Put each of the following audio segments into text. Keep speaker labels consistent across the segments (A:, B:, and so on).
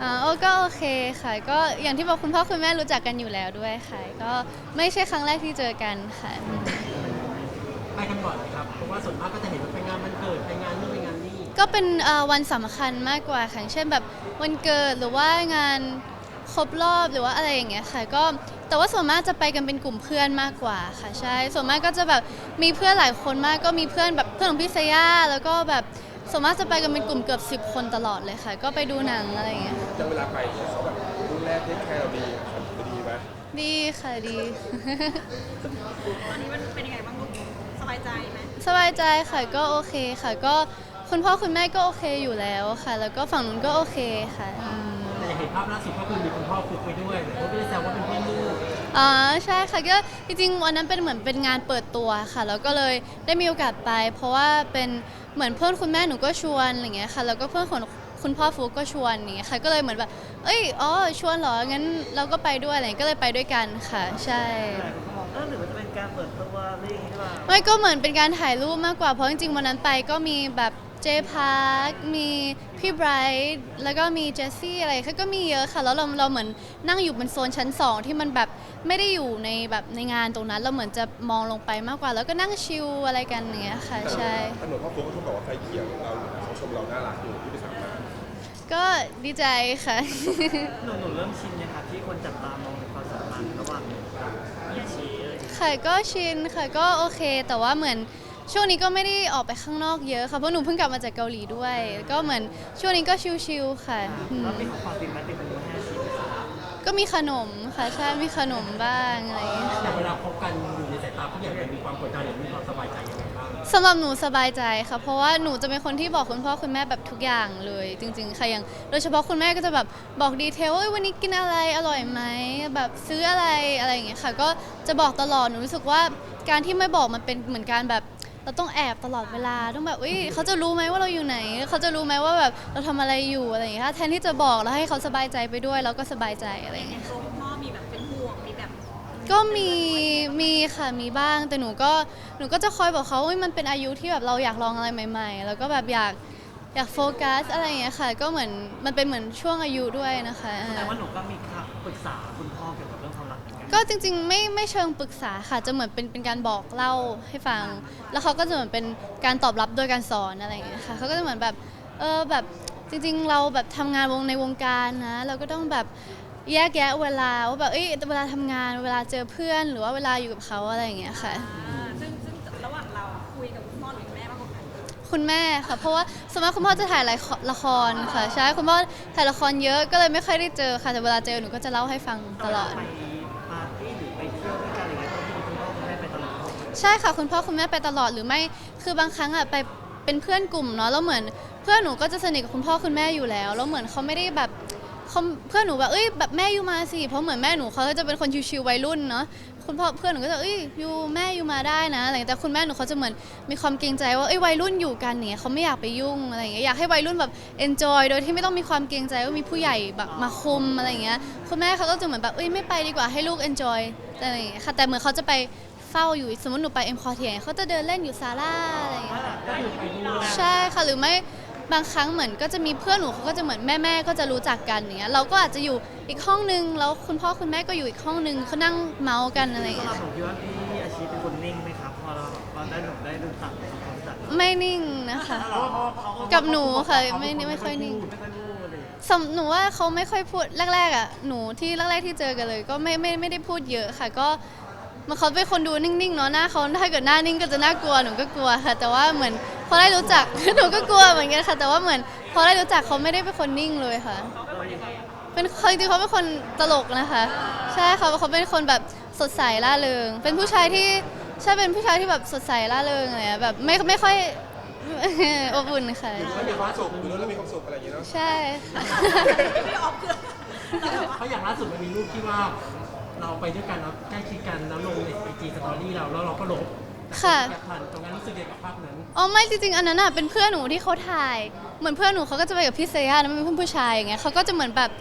A: โอ้ก็โอเคค่ะก็อย่างที่บอกคุณพ่อคุณแม่รู้จักกันอยู่แล้วด้วยค่ะก็ไม่ใช่ครั้งแรกที่เจอกันค่ะ
B: ไปกันบ่อยไหมครับเพราะว่าส่วนมากก็จะเห็นว่าไปงานวันเกิดไปงานนู่นไปงานนี่
A: ก็เป็นวันสำคัญมากกว่าค่ะเช่นแบบวันเกิดหรือว่างานครบรอบหรือว่าอะไรอย่างเงี้ยค่ะก็แต่ว่าส่วนมากจะไปกันเป็นกลุ่มเพื่อนมากกว่าค่ะใช่ส่วนมากก็จะแบบมีเพื่อนหลายคนมากก็มีเพื่อนแบบเพื่อนของพี่เซย่าแล้วก็แบบส่วนมากจะไปกันเป็นกลุ่มเกือบ10 คนตลอดเลยค่ะก็ไปดูหนังอะไรอย่างเงี้ย
C: จะเวลาไปเนี่ยเขาแบบดูแลเทคแคร์เราดีครับจะดีไหม
A: ดีค่ะดี
D: ตอนนี้มันเป็นยังไงบ้างลูกสบายใจไหม
A: สบายใจค่ะก็โอเคค่ะก็คุณพ่อคุณแม่ก็โอเคอยู่แล้วค่ะแล้วก็ฝั่งนู้นก็โอเคค่ะ
B: แต่เห็นภาพล่าสุดก็คือมีคุณพ่อฟุกไปด้วยแต่เขาไม่ได้แซวว่าเป็นเพื่อนลูก
A: อ๋อใช่ค่ะก็จริงๆวันนั้นเป็นเหมือนเป็นงานเปิดตัวค่ะแล้วก็เลยได้มีโอกาสไปเพราะว่าเป็นเหมือนเพื่อนคุณแม่หนูก็ชวนอะไรเงี้ยค่ะแล้วก็เพื่อนของคุณพ่อฟุกก็ชวนอย่างเงี้ยค่ะก็เลยเหมือนแบบเอ้ยอ๋อชวนเหรองั้นเราก็ไปด้วยอะไรก็เลยไปด้วยกันค่ะใช่
E: หรือว่าจะเป็นการเปิดตัวอะไรอย่างงี้หรือเปล่า
A: ไม่ก็เหมือนเป็นการถ่ายรูปมากกว่าเพราะจริงๆวันนั้นไปก็มีแบบเจพาร์คมีพี่ไบรท์แล้วก็มีเจสซี่อะไรก็มีเยอะค่ะแล้วเราเหมือนนั่งอยู่บนโซนชั้น2ที่มันแบบไม่ได้อยู่ในแบบในงานตรงนั้นเราเหมือนจะมองลงไปมากกว่าแล้วก็นั่งชิลอะไรกันอย่างเงี้ยค่ะใช่
C: ถนนพ่อครูก็ชมบอกว่าไฟเขียวเราเขาชมเราน่ารักอยู่ที่ไปสามมา
A: ก็ดีใจค่ะ
E: หนูเริ่มชินนะครับที่คนจับตามองในความสัมพันธ์ระหว่างหนูกับพี่อาชีอะไรอย่างเงี้ย
A: ค่ะก็ชินค่ะก็โอเคแต่ว่าเหมือนช่วงนี้ก็ไม่ได้ออกไปข้างนอกเยอะค่ะเพราะหนูเพิ่งกลับมาจากเกาหลีด้วยก็เหมือนช่วงนี้ก็ชิลๆค่ะ
E: แล้วมีของฝากติดไม้ติดมือให้อาชีไหมครับ
A: ก็มีขนมค่ะใช่มีขนมบ้างอะไรอย่างเงี้ย
B: แต่
A: ค่ะ
B: เวลาคบกันอยู่ในสายตาผู้ใหญ่มันมีความกดดันหรือมีความสบายใจยังไงบ้าง
A: สำหรับหนูสบายใจค่ะเพราะว่าหนูจะเป็นคนที่บอกคุณพ่อคุณแม่แบบทุกอย่างเลยจริงๆค่ะอย่างโดยเฉพาะคุณแม่ก็จะแบบบอกดีเทลว่าวันนี้กินอะไรอร่อยไหมแบบซื้ออะไรอะไรอย่างเงี้ยค่ะก็จะบอกตลอดหนูรู้สึกว่าการที่ไม่บอกมันเป็นเหมือนการแบบเราต้องแอบตลอดเวลาต้องแบบเขาจะรู้ไหมว่าเราอยู่ไหนเขาจะรู้ไหมว่าแบบเราทำอะไรอยู่อะไรอย่างเงี้ยแทนที่จะบอกแล้วให้เขาสบายใจไปด้วยเราก็สบายใจอะไรอย่างเงี้ย
D: ตัวคุณพ่อมีแบบเป็นห่วงมีแบบ
A: ก็มีค่ะมีบ้างแต่หนูก็จะคอยบอกเขาว่ามันเป็นอายุที่แบบเราอยากลองอะไรใหม่ๆแล้วก็แบบอยากโฟกัสอะไรอย่างเงี้ยค่ะก็เหมือนมันเป็นเหมือนช่วงอายุด้วยนะคะ
E: แต่ว่าหนูก็มีคำปรึกษาคุณพ่อเกี่ยวกับเรื่องความรักเหมือนกัน
A: ก็จริงๆไม่เชิงปรึกษาค่ะจะเหมือนเป็นการบอกเล่าให้ฟังแล้วเขาก็จะเหมือนเป็นการตอบรับโดยการสอนอะไรอย่างเงี้ยค่ะเขาก็จะเหมือนแบบแบบจริงๆเราแบบทำงานในวงการนะเราก็ต้องแบบแยกแยะเวลาว่าแบบเวลาทำงานเวลาเจอเพื่อนหรือว่าเวลาอยู่กับเขาอะไรอย่างเงี้ยค่ะ
D: ซึ่งระหว่างเราคุยกับคุณพ่อหรือแม่มากกว่ากัน
A: คุณแม่ค่ะเพราะว่าสมมติคุณพ่อจะถ่ายละครค่ะใช่คุณพ่อถ่ายละครเยอะก็เลยไม่ค่อยได้เจอค่ะแต่เวลาเจอหนูก็จะเล่าให้ฟังตลอด
E: ไปปาร์ตี้หรือไปเที่ยวด้วยกันอะไรเงี้ยต้องมีคุณพ่อคุณแม่ไปตลอด
A: ใช่ค่ะคุณพ่อคุณแม่ไปตลอดหรือไม่คือบางครั้งอ่ะไปเป็นเพื่อนกลุ่มเนาะแล้วเหมือนเพื่อนหนูก็จะสนิทกับคุณพ่อคุณแม่อยู่แล้วแล้วเหมือนเขาไม่ได้แบบเขาเพื่อนหนูแบบแบบแม่อยู่มาสิเพราะเหมือนแม่หนูเขาจะเป็นคนชิวๆวัยรุ่นเนาะคุณพ่อเพื่อนหนูก็จะอยู่แม่อยู่มาได้นะอะไรแต่คุณแม่หนูเขาจะเหมือนมีความเกรงใจว่าวัยรุ่นอยู่กันเนี่ยเขาไม่อยากไปยุ่งอะไรอย่างเงี้ยอยากให้วัยรุ่นแบบ enjoy โดยที่ไม่ต้องมีความเกรงใจว่ามีผู้ใหญ่แบบมาคุมอะไรอย่างเงี้ยคุณแม่เขาก็จะเหมือนแบบไม่ไปดีกว่าให้ลูก enjoy อะไรอย่างเงี้ยค่ะแต่เหมือนเขาจะไปเฝ้าอยู่สมมติหนูไปเอ็มคอเทียเขาจะเดินเล่นอยู่ศาลาอะไรอย่างเงี้ย
B: ก็คือไปด้วย
A: ใช่ค่ะหรือไม่บางครั้งเหมือนก็จะมีเพื่อนหนูเขาก็จะเหมือนแม่ก็จะรู้จักกันอย่างเงี้ยเราก็อาจจะอยู่อีกห้องนึงแล้วคุณพ่อคุณแม่ก็อยู่อีกห้องนึงเขานั่งเมาส์กันอะไรอย่าง
E: สำหรับ
A: เงี้ย
E: ผมคิดว่าพี่อาชีเป็นคนนิ่งไหมครับพอเราได้หนุ่มได้รู้จักทำความรู้จัก
A: ไม่นิ่งนะคะกับหนูค่ะไม่ค่อยนิ่ง
E: ไม่ค่อยพูดเลย
A: หนูว่าเขาไม่ค่อยพูดแรกๆอ่ะหนูที่แรกๆที่เจอกันเลยก็ไม่ได้พูดเยอะค่ะก็มันเขาเป็นคนดูนิ่งๆเนาะหน้าเขาถ้าเกิดหน้านิ่งก็จะน่ากลัวหนูก็กลัวค่ะแต่ว่าเหมือนพอได้รู้จัก หนูก็กลัวเหมือนกันค่ะแต่ว่าเหมือนพอได้รู้จักเขาไม่ได้เป็นคนนิ่งเลยค่ะเป็นจริงๆเขาเป็นคนตลกนะคะใช่เขาเป็นคนแบบสดใสร่าเริงเป็นผู้ชายที่ใช่เป็นผู้ชายที่แบบสดใสร่าเริงอะไรแบบไม่ค่อย อบอุ่นค่ะ
C: อยู่แล้วมีความสุขอยู่แล้วมีความสุขอะไรอย่างเงี้ยเนาะ
A: ใช่ค่ะ
D: ไม่ออฟคือ
B: เขาอย่างล่าสุดมันมีรูปที่ว่าเราไปด้วยกันแล้วใกล้ชิดกันแล้วลงในไอจีสตอรี่เราแล้วเราก็ลบ
A: ค่ะ
B: อยากผ่านตรงนั้นรู้สึกยังไงกับภาพนั้น
A: อ๋อไม่จริงๆอันนั้นอ่ะเป็นเพื่อนหนูที่เขาถ่ายเหมือนเพื่อนหนูเขาก็จะไปกับพี่เซย่านะมันเป็นเพื่อนผู้ชายอย่างเงี้ยเขาก็จะเหมือนแบบ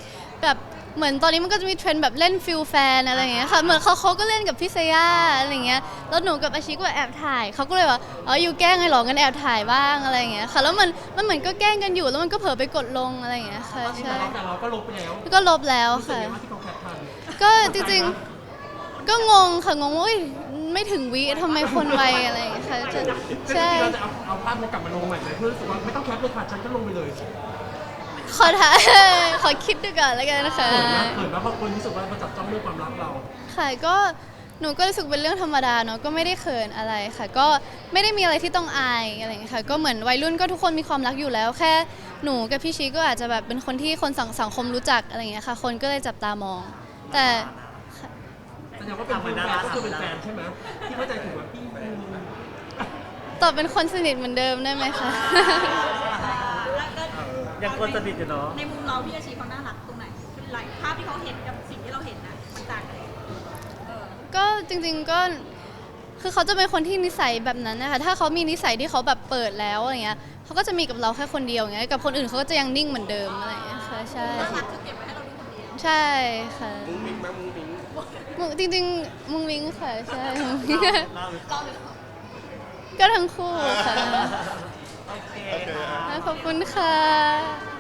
A: แบบเหมือนตอนนี้มันก็จะมีเทรนด์แบบเล่นฟิลแฟนอะไรอย่างเงี้ยค่ะเหมือนเขาก็เล่นกับพี่เซย่าอะไรอย่างเงี้ยแล้วหนูกับอาชิก็แอบถ่ายเขาก็เลยว่าอ๋ออยู่แกล้งไงหรองั้นแอบถ่ายบ้างอะไรอย่างเงี้ยค่ะแล้วมันเหมือนก็แกล้งกันอยู่แล้วมันก็เผลอไปกดลงอะไรอย่างเงี้ยค่ะใช่
B: แต่เราก็ลบไปแล้ว
A: ก็ลบแล้ว
B: รู้สึก
A: ค่ะ
B: ยังไงว่าที่เขาแคปทัน
A: ก็จริงๆก็งงค่ะงงว่าอุ๊ยไม่ถึงวิทำไมคนไวอะไรอย่างเงี้ยค่ะใช่
B: คือจริงๆเราจะเอาภาพนี้กลับมาลงใหม่ไหมเพื่อรู้สึกว่าไม่ต้องแคปเลยค่ะฉันก็ลงไปเลย
A: ขอถ่าย ขอคิดดูก่อนแล้วกันนะคะ
B: เขินนะบางคนรู้สึกว่ามาจับจ้องเรื่องความรักเรา
A: ค่ะก็หนูก็รู้สึกเป็นเรื่องธรรมดาเนาะก็ไม่ได้เขินอะไรค่ะ ก็ไม่ได้มีอะไรที่ต้องอายอะไรอย่างเงี้ยค่ะก็เหมือนวัยรุ่นก็ทุกคนมีความรักอยู่แล้ว แค่หนูกับพี่ชีก็อาจจะแบบเป็นคนที่คนสังคมรู้จักอะไรอย่างเงี้ยค่ะ คนก็เลยจับตามอง แต่
B: แสดงว่าเป็นแฟนก็คือเป็นแฟนใช่ไหมที่เข้าใจถูกว่าพี่
A: ตอบเป็นคนสนิทเหมือนเดิมได้ไหมคะ
D: แล้วก็
E: ยังคนสนิทอยู่เนาะ
D: ในมุมเราพี่อาชีเขาน่ารักตรงไหนหลายภาพที่เขาเห็นกับสิ่งที่เราเห็นนะมันต่างกันเออ
A: ก็จริงๆก็คือเขาจะเป็นคนที่นิสัยแบบนั้นนะคะถ้าเขามีนิสัยที่เขาแบบเปิดแล้วอะไรเงี้ยเขาก็จะมีกับเราแค่คนเดียวอย่างเงี้ยกับคนอื่นเขาก็จะยังนิ่งเหมือนเดิมอะไรอย่างเงี้ยค่ะใช่
D: น่ารักคือเก็บไว้ให้เราดูคนเดียว
A: ใช่ค่ะ
C: มุ้งมิ้งไหมมุ้งมิ้ง
A: จริงๆมุงมิงค่ะใช่มุ้งมิ้ง
E: เราหรือ
D: เราหรือ
A: ก็ทั้งคู่ค่ะ
E: โอเค
C: โอเค
E: ค่ะ
A: ขอบคุณค่ะ